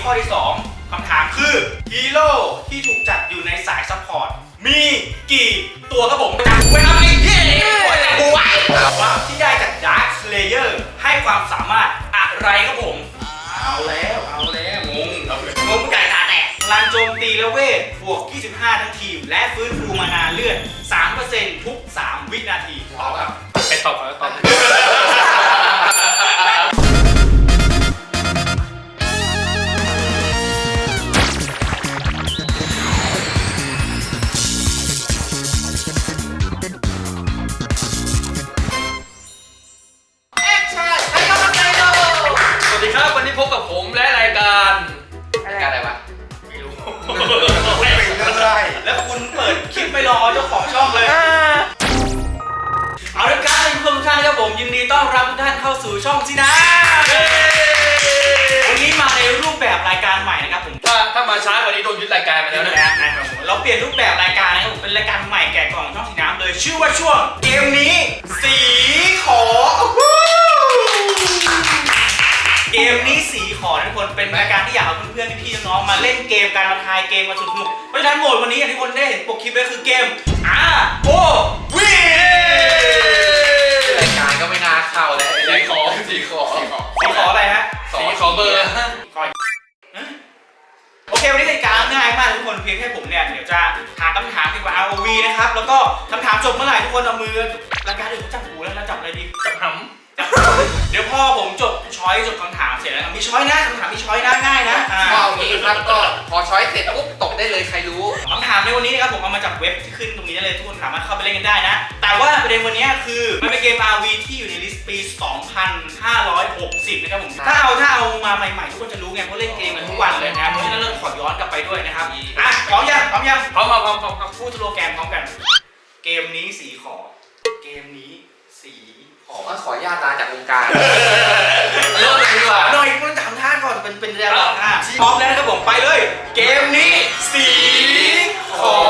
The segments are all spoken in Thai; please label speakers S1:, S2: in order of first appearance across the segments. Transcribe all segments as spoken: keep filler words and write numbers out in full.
S1: ข้อที่สองคำถามคือฮีโร่ที่ถูกจัดอยู่ในสายซัพพอร์ตมีกี่ตัวครับผมจับไว้ครับไอ้เหี้ยหัวจับกูไว้ว่าที่ได้จากดาร์คสเลเยอร์ให้ความสามารถอะไรครับผมเอาแล้วเอาแล้วงงงงใหญ่ตาแตกพลังโจมตีและเวทบวกยี่สิบห้าทั้งทีมและฟื้นฟูมานาเลือด สามเปอร์เซ็นต์ ทุกสามวินาทีตอบครับไปตอบครับตอบ
S2: วันนี้พบกับผมและรายการรายการอะไรวะไม่รู้ไม่เป็นเรื่อย
S1: แล้วคุณเปิดคลิปไม่รอเจ้าของช่องเลยเอาละครับท่านผู้ชมทุกท่านครับผมยินดีต้อนรับทุกท่านเข้าสู่ช่องซีนะวันนี้มาในรูปแบบรายการใหม่นะครับผม
S2: ถ้าถ้ามาช้ากว่านี้โดนยึดรายการไปแล้วนะ
S1: เราเปลี่ยนรูปแบบรายการนะครับผมเป็นรายการใหม่แกะกล่องช่องสีน้ำเลยชื่อว่าช่วงเกมนี้สีขอเกมนี้สีขอทุกคนเป็นรายการที่อยากเอาเพื่อนๆพี่ๆน้องๆมาเล่นเกมการมาทายเกมมาสนุกเพราะฉะนั้นโหมดวันนี้อย่างที่คนได้เห็นปกคลิปเลยคือเกม อาร์ โอ วี
S2: รายการก็ไม่น่าเข้าเลยสีขอสีขอ
S1: สีขออะไรฮะ
S2: สีขอเบอร์
S1: โอเควันนี้รายการง่ายมากทุกคนเพียงแค่ผมเนี่ยเดี๋ยวจะถามคำถามเกี่ยวกับ อาร์ โอ วี นะครับแล้วก็คำถามจบเมื่อไหร่ทุกคนเอามือรายการอื่นเขาจับหูแล้วเราจับอะไรดีจับหำเดี๋ยวพอผมจบช้อยจบคำถามเสร็จแล้วมีช้อยนะคำถามมีช้อยนะง่ายนะ
S2: ก็เอางี้ครับก็พอช้อยเสร็จปุ๊บตกได้เลยใครรู้
S1: คำถามในวันนี้นะครับผมเอามาจากเว็บที่ขึ้นตรงนี้ได้เลยทุกคนสามารถเข้าไปเล่นกันได้นะแต่ว่าประเด็นวันนี้คือมันเป็นเกม อาร์ วี ที่อยู่ในลิสต์ปี สองพันห้าร้อยหกสิบ นะครับผมถ้าเอาถ้าเอามาใหม่ๆทุกคนจะรู้ไงเพราะเล่นเกมกันทุกวันเลยนะเพราะฉะนั้นเราขอย้อนกลับไปด้วยนะครับอ่ะพร้อมยังพร้อมยัง
S2: พร้อมมาพร้อมพร้อม
S1: พูดสโลแกนพร้อมกันเกมนี้สีขอเกมนี้สี
S2: ขอขอญาตาจากวงการเริ่มเลยดีกว่า
S1: หน่อยคุณถามท่าก่อนเป็นเป็นเรื่องอ่ะพร้อมแล้วนะครับผมไปเลยเกมนี้สีขอ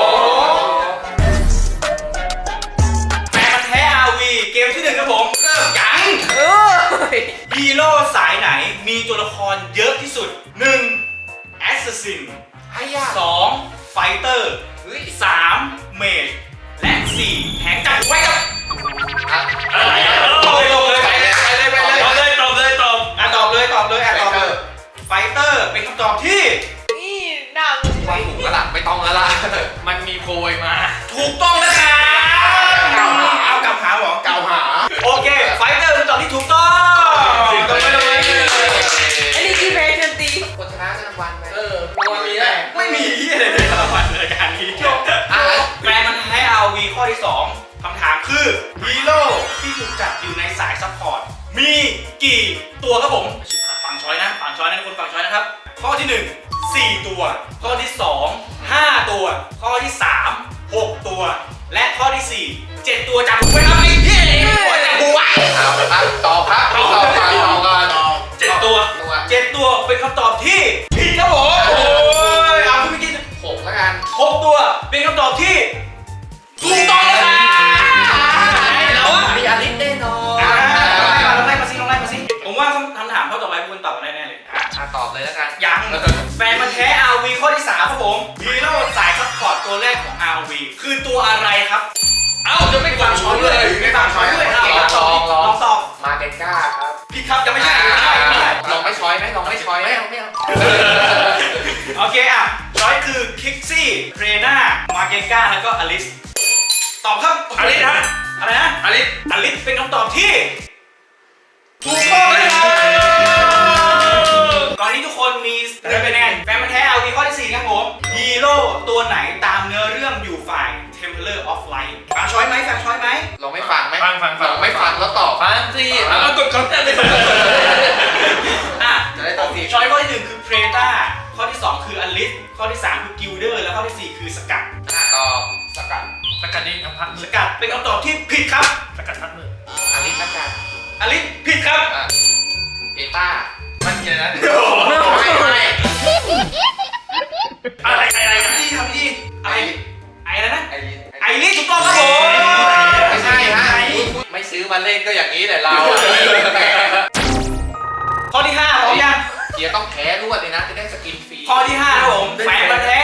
S1: แฟนมันแท้ อาร์ วี เกมที่หนึ่งครับผมเริ่มยังฮีโร่สายไหนมีตัวละครเยอะที่สุด หนึ่ง แอสซัสซิน สอง ไฟเตอร์ สาม เมจและสี่แหงจับไว้ครับตอบเลยไปเลยไปเลยไปเลยตอบเลยตอบเลยตอบอ่ะตอบเลยตอบเลยอ่ะตอบเลยไฟเตอร์เป็นคำตอบที่
S3: นี่ดัง
S2: ไม่ถูกก็ล่ะไม่ต้องแล้วล่ะมันมีโพยมา
S1: ถูกต้องนะครับเอากลับหาหรอ
S2: เก่าหา
S1: โอเคไฟเตอร์เป็นตอบที่ถูกต้องตบไปเลย
S3: อันนี้กี่เพลงดนตรี
S2: คนชนะจะรางวัลไหมเออรางวัลมีไหม
S1: ไม่มีอะไรเลยรางวัลรายการนี้แปลมันให้ อาร์ วี ข้อที่สองคำถามคือฮีโร่ที่ถูกจัดอยู่ในสายซัพพอร์ตมีกี่ตัวครับผมฟังช้อยนะฟังช้อยนะทุกคนฟังช้อยนะครับข้อที่หนึ่ง สี่ตัวข้อที่สอง ห้าตัวข้อที่สาม หกตัวและข้อที่สี่ เจ็ดตัวจำไว้ครับไอ้เหี้ยหัวจับกูไว้
S2: เอาครับตอบครับตอบก่อนตอบก่อน
S1: เจ็ดตัวเจ็ดตัวเป็นคำตอบที่ผิดครับผมโอ้ยเอาคุณเมื่อกี้
S2: หกแล้วกัน
S1: หกตัวเป็นคำตอบที่ถูกต้องแล้ว
S2: แล้วมีอลิสแน่นอน
S1: ลองไล่มาสิลองไล่มาสิผมว่าคำถามข้อต่อไปคุณตอบกันแน่ๆเลย
S2: อ่ะตอบเลยแล้วกัน
S1: ยังแฟนมันแท้ อาร์ วี ข้อที่สามครับผมฮีโร่สายซัพพอร์ตตัวแรกของ อาร์ วี คือตัวอะไรครับเอ้าจะไม่ฟังช้อยด้วยไม่ฟังช้อยด้วย
S2: ลองลอง
S1: ตอบ
S2: มาเกนก้าครับ
S1: พี่ครับจะไม่ใช่ไม่ใช่ไม่ใช่
S2: ลองไม่ช้อยไหมลองไม่ช้อยไหม
S1: ไม่เอาโอเคอ่ะช้อยคือคิกซี่เรน่ามาเกนก้าแล้วก็อลิสตอบครับ
S2: อลิสฮะ
S1: อะไรนะ
S2: อลิส
S1: อลิสเป็นคำตอบที่ถูกต้องเลยครับตอนนี้ทุกคนมีได้คะแนนแฟนมันแท้ อาร์ วี ข้อที่สี่ครับผมฮีโร่ตัวไหนตามเนื้อเรื่องอยู่ฝ่าย Templar of Light ฟังช้อยไหมฟังช้อยไหม
S2: ลองไม่ฟังไหม
S1: ฟังฟังฟัง
S2: ไม่ฟังแล้วตอบ
S1: ฟังสิแล้วกดคำแทนไปอ่ะ
S2: จะได้ตอบสิ
S1: ช้อยข้อที่หนึ่งคือ Preta ข้อที่สองคือ Alice ข้อที่สามคือ Gilder และข้อที่สี่คือสกัด
S2: ตอบสกัด
S1: สกัดนี่คำพักสกัดเป็นคำตอบที่ผิดครับสกัดพักมือ
S2: อลิสสกัด
S1: อลิสผิดครับ
S2: เอต้ามันเยอะนะ
S1: ไม่ไม่อะไรอะไรนะที่ทำที่อะไรไอ้อะไรนะไอ้ไอ้นี่ถูกต้องครับผม
S2: ไม่ใช่ฮะไม่ซื้อมาเล่นก็อย่างนี้แหละเรา
S1: ข้อที่ห้าพร้อมยัง
S2: เกียร์ต้องแข็ท้รวดเลยนะจะได้สกินฟรี
S1: ข้อที่ห้าครับผมแฟนพันธุ์แท้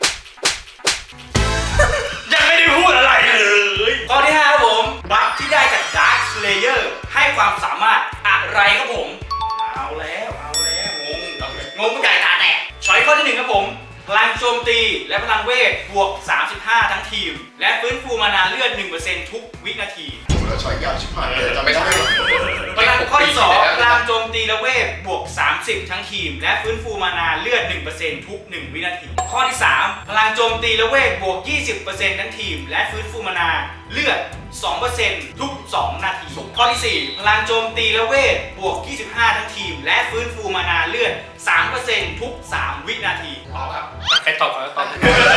S1: ยังไม่ได้พูดอะไรเลยข้อที่ห้าครับผมบัฟที่ได้จาก Dark Slayer ให้ความสามารถอะไรครับผมเอาแล้วเอาแล้วงงงงไม่ไก่ตาแตกช้อยข้อที่หนึ่งครับผมพลังโจมตีและพลังเวทบวกสามสิบห้าทั้งทีมและฟื้นฟูมานาเลือด หนึ่งเปอร์เซ็นต์ ทุกวินาที
S4: เราช้อยยาวชิบหายเลยจำไม่ได้
S1: พลังข้อที่สองพลังโจมตีและเวทบวกสามสิบทั้งทีมและฟื้นฟูมานาเลือด หนึ่งเปอร์เซ็นต์ ทุกหนึ่งวินาทีข้อที่สามพลังโจมตีและเวทบวก ยี่สิบเปอร์เซ็นต์ ทั้งทีมและฟื้นฟูมานาเลือด สองเปอร์เซ็นต์ ทุกสองนาทีข้อที่สี่พลังโจมตีและเวทบวกยี่สิบห้าทั้งทีมและฟื้นฟูมานาเลือด สามเปอร์เซ็นต์ ทุกสามวินาที
S2: ตอบครับ
S5: ใครตอบก่อนก็ตอบ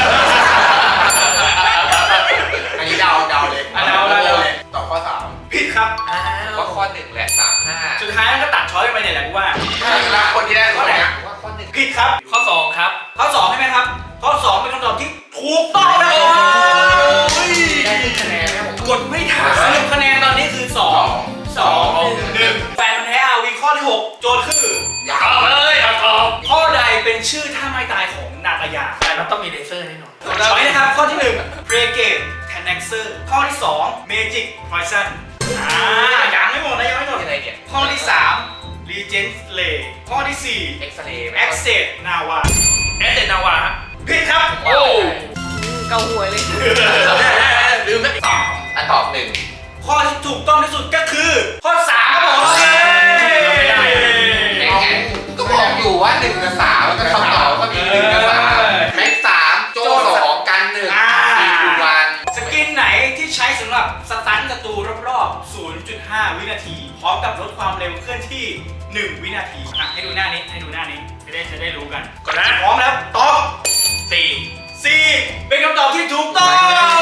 S4: อันนี้เดาเดาเลย
S1: อ่ะเดาเดาเดา
S4: เลยตอบข้อสาม
S1: ผิดครับ
S2: ว่าข้อหนึ่งแหละสามห้า
S1: สุดท้ายก็ตัดช้อยไปเนี่ยแหละกูว่า
S4: แล้วคนที่ได้ข้อไหน
S2: ว่าข้อหนึ่ง
S1: ผิดครับ
S5: ข้อสองครับ
S1: ข้อสองใช่ไหมครับข้อสองเป็นคำตอบที่ถูกต้องนะครับ
S2: ได้คะแนนไหมผม
S1: กดไม่ทันสรุปคะแนนตอนนี้คือสองสองหนึ่งแฟนพันธุ์แท้อาวีข้อที่หกโจทย์คือ
S4: ยา
S5: ต
S4: ว
S5: อบเลยเอาตอบ
S1: ข้อใดเป็นชื่อท่าไม้ตายของนาตายา
S5: มันต้องมีเลเซอร์แน่นอน
S1: ช้อยนะครับข้อที่หนึ่งเบรเกตแทนเน็กเซอร์ข้อที่สองเมจิกพอยซันอ่ายังไม่หมดนะยังไม่หมด
S2: อะไรเนี่ย
S1: ข้อที่สามรีเจนส์เลข้อที่สี่
S2: เอ็กซเรย์
S1: แอคเซสนาวา
S5: แอสเซนาวา
S1: ผิดครับ
S2: โอ้
S3: เกาหัวเลย
S5: ลืมไหม
S2: อันตอบหนึ่ง
S1: ข้อที่ถูกต้องที่สุดก็คือข้อสามครับผม
S2: แข่งก็บอกอยู่ว่าหนึ่งกับสามแล้วก็คำตอบก็มีหนึ่งกับสามแม็กสามโจสองกันหนึ่งสี่คูวัน
S1: สกินไหนที่ใช้สำหรับสตันศัตรูรอบๆ ศูนย์จุดห้า วินาที พร้อมกับลดความเร็วเคลื่อนที่ หนึ่ง วินาทีอ่ะให้ดูหน้านี้ให้ดูหน้านี้จะได้จะได้รู้กัน
S5: ก่อนนะ
S1: พร้อมแล้วตอบ
S5: สี่
S1: สี่เป็นคำตอบที่ถูกต้อง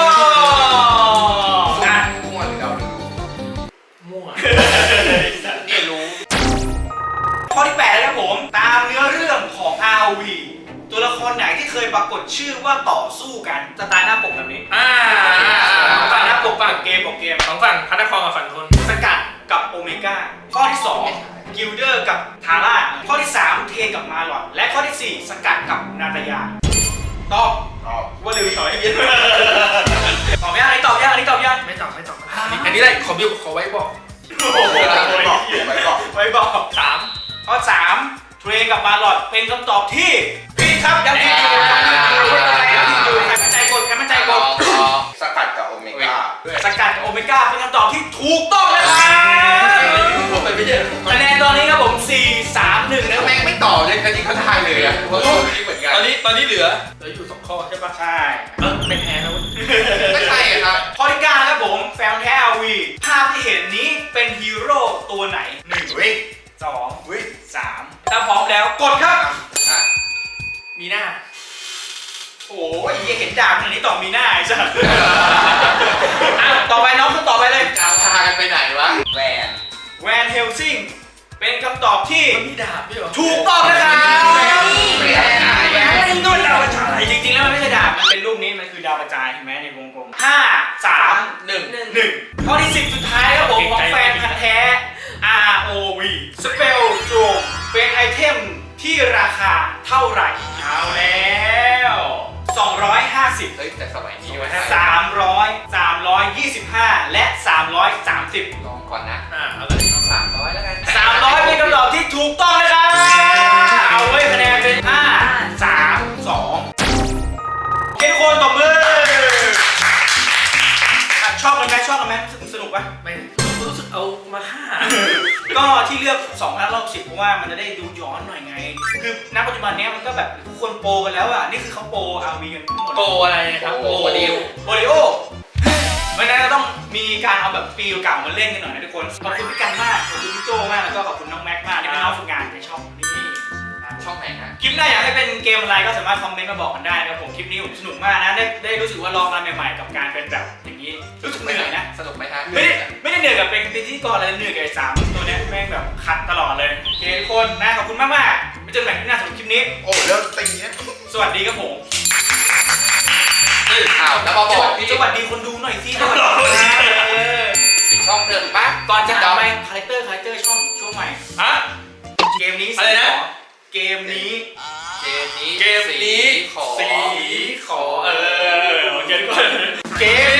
S1: อ่ะ
S4: มั่วหรือเดาหรือรู้
S5: มั่ว
S2: นี่รู้
S1: ข้อที่แปดนะครับผมตามเนื้อเรื่องของ อาร์ โอ วี ตัวละครไหนที่เคยปรากฏชื่อว่าต่อสู้กันสไตล์หน้าปกแบบนี้
S5: อ่า
S1: สไตล์หน้าปก
S5: ฝั่
S1: ฝั่
S5: ง
S1: งเกมของเกม
S5: สองฝั่งพัฒนาครกับฝั่งทน
S1: สกัดกับโอเมก้าข้อที่สองกิลเดอร์กับทาร่าข้อที่สามเทนกับมาลอดและข้อที่สี่สกัดกับนาตายาตอบ
S4: ตอบ
S1: ว่าเร็วถอยให้เยอะตอบยังอันนี้ตอบยังอันนี้ตอบยัง
S5: ไม่ตอบไม่ตอบอันนี้อันนี้ได้ขอบิวขอไว้บอก
S1: โอ้โห
S4: ไว้บอกไว้บอก
S1: ไว้บอก
S5: สาม
S1: ข้อสามเทรนกับมาลอดเป็นคำตอบที่ผิดครับยังผิดอยู่ยังผิดอยู่ยังผิดอยู่ใครมั่นใจกดใครมั่นใจกด
S4: สกัดกับโอเมก้า
S1: สกัดกับโอเมก้าเป็นคำตอบที่ถูกต้องนะครับ
S5: ผมไปไม่ใช่
S1: คะแนนตอนนี้ครับผมสี่สามหนึ่งนะ
S2: แล้วแม่งไม่ตอบเลยกันที่เขาทายเลยอ่ะเพราะตัวนี้เหมือนกัน
S5: ตอนนี้ตอนนี้เหลือเหลืออยู่สองข้อใช่ปะ
S1: ใช่
S5: เออไม่แพ้แล้วเว้ย
S2: ไม่ใช่อะครับ
S1: ข้อที่เก้านะครับผมแฟนแท้ อาร์ วี ภาพที่เห็นนี้เป็นฮีโร่ตัวไหนหนึ่ง
S4: วิ
S1: สอง
S4: วิ
S1: สามถ้าพร้อมแล้วกดครับ
S2: อ่ะ
S5: มีหน้า
S1: โอ้ยเหี้ยเห็นดาบขนาดนี้ตอบมีหน้าไอ้สัสอ่ะต่อไปน้องคุณต่อไปเลย
S2: ดาวพากันไปไหนวะ
S4: แวน
S1: แวนเฮลซิงเป็นคำตอบที่
S5: มันมีดาบด้วยเหรอ
S1: ถูกต้องนะครับ
S2: ไม่ได้ไหน
S1: แวนเฮลซิงโดนดาวกระจายจริงๆแล้วมันไม่ใช่ดาบมันเป็นรูปนี้มันคือดาวกระจายเห็นไหมในวงกลมห้าสาม
S2: หนึ่ง
S3: หนึ่ง
S1: หนึ่งข้อที่สิบสุดท้ายครับผมของแฟนพันธุ์แท้ อาร์ โอ วี Spell Drone เป็นไอเทมที่ราคาเท่าไหร่เอาแล้วสองร้อยห้าสิบ
S2: เฮ้ยแต่สมัยนี้ว่า
S1: สามร้อย สามร้อยยี่สิบห้า และ สามร้อยสามสิบ
S2: ลองก่อนนะ
S5: อ่าเอาเลย
S2: สามร้อยแล้วกัน
S1: สามร้อยเป็นคำตอบที่ถูกต้องนะครับเอาไว้คะแนนเป็นห้า สาม สองเค้กคนตบมืออ่ะชอบกันไหมชอบกันไหมสนุกสนุกปะ
S5: ไม่รู้สึกเอามาฆ่า
S1: ก็ที่เลือกสองพันรอบสิบเพราะว่ามันจะได้ดูย้อนหน่อยไง คือณปัจจุบันเนี้ยมันก็แบบทุกคนโปรกันแล้วอ่ะ นี่คือเขาโปร อาร์ วี กันทั้งหมด
S5: โปรอะไรครับ
S2: โอ้โหดิว
S1: โอริโอเพราะฉะนั้นเราต้องมีการเอาแบบปีเก่ามาเล่นกันหน่อยนะทุกคน ขอบคุณพี่กันมาก ขอบคุณพี่โจมาก แล้วก็ขอบคุณน้องแม็กมากที่เป็นน้องฝึกงานในช่องนี้นะ
S2: ช่องไหนฮะ
S1: คลิปหน้าอยากให้เป็นเกมอะไรก็สามารถคอมเมนต์มาบอกกันได้นะครับผม คลิปนี้ผมสนุกมากนะ ได้ได้รู้สึกว่าลองอะไรใหม่ๆกับการเป็นแบบอย่างนี้ รู้สึกเหนื่อยนะ
S2: สนุกไหมฮะ
S1: ไม่ได้ไม่ได้เหนื่อยกับเป็นพิธีกรอะไรเหนื่อยกับไอ้สามตัวเนี้ยแม่งแบบคัดตลอดเลยโอเคทุกคนนะขอบคุณมากมากๆไปเจอกันใหม่ที่หน้าสำหรับคลิปนี้
S4: โอ้เริ่มตีนะ
S1: สวัสดีครับผม
S2: อ้าวแล้วมาบอกพี่
S1: สวัสดีคนดูหน่อยสิสวัสดีเออ
S2: ปิดช่องเถอะปั๊บ
S1: ก่อนจะหาไปคาแรคเตอร์คาแรคเตอร์ช่องช่วงใหม่
S5: ฮะ
S1: เกมนี้
S5: อะไรนะ
S1: ขอเเกมนี้
S2: เกมนี้
S1: เกมนี้
S2: สีขอ
S1: สีขอเออโอเคทุกคนเกม